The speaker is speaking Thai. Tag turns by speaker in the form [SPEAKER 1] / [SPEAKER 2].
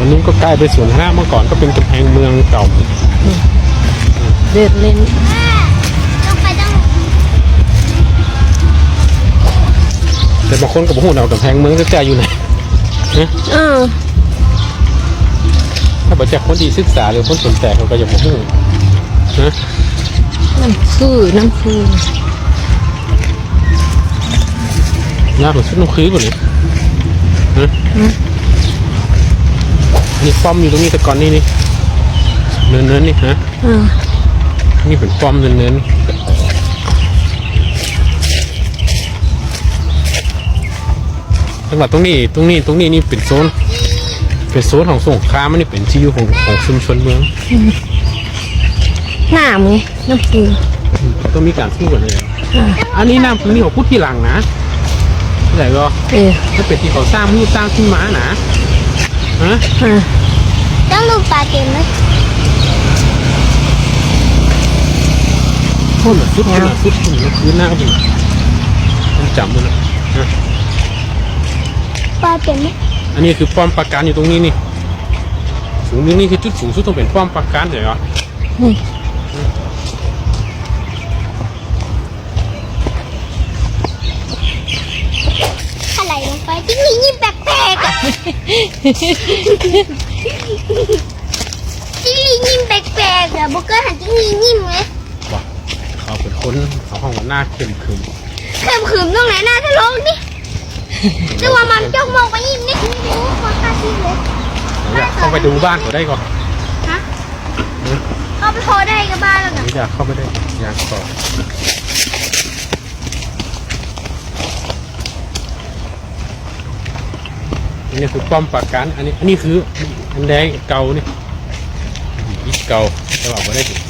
[SPEAKER 1] นู้นก็ใกล้ไปสวนธนะเมื่อก่อนก็เป็นกำแพงเมืองเก่า
[SPEAKER 2] เดินเล่น
[SPEAKER 3] ต้องไปต้อง
[SPEAKER 1] แต่บางคนก็บอกว่าเรากำแพงเมืองจะจ่ายอยู่ไหนนะถ้าบอกจากคนดีศึกษาหรือคนสนใจเขาก็จะบอกว่านะ
[SPEAKER 2] น้ำคื
[SPEAKER 1] ยากกว่าชุดน้ำคือกว่านี้นะนี่ป้อมอยู่ตรงนี้แต่ก่อนนี่เนินนี่ฮะนี่เป็นป้อมเนินจังหวัดตรงนี้นี่เป็นโซนของสงขลามันนี่เป็นที่อยู่ของชุมชนเมือง
[SPEAKER 2] น้ำไงน้ำคือ
[SPEAKER 1] ต้องมีการสู้กันเลยอันนี้น้ำนี่เขาพูดที่หลังนะไหนก็ถ้าเป็นที่เขาสร้างมือสร้างขึ้นมานะฮะ
[SPEAKER 3] ต้องลูกปลาเต็มไหม
[SPEAKER 1] พุ่นสุดพื้นหน้าก็เป็นมันจำมันนะ
[SPEAKER 3] ปลาเต็มไหม
[SPEAKER 1] อันนี้คือป้อมปราการอยู่ตรงนี้นี่สูงนี่คือจุดสูงสุดต้องเป็นป้อมปราการเหรอ
[SPEAKER 3] อะไรลงไปที่นี่ยิ้มแปลกๆอ่ะที่นี่ยิ้มแปลกๆอ่ะบุกเกอร์หันที่นี่ยิ้มเลย
[SPEAKER 1] ว้าเขาเป็นคนเขาห้องหน้าเข้มขึ้น
[SPEAKER 3] ตรงไหนหน้าทะลงนี่แต่ว่ามันจ้องมองไปยิ้มนี่ไม่รู้คนตาชี้เลย
[SPEAKER 1] เข้าไปดูบ้านเขาได้ก่อน
[SPEAKER 3] ฮะเข้าไปพอได้กับบ้านแล้วกัน
[SPEAKER 1] อยากเข้าไปได้อยากต่อนี่คือป้อมปราการอันนี้คืออันแดงเก่านี่เก่าแต่ว่าไม่ได้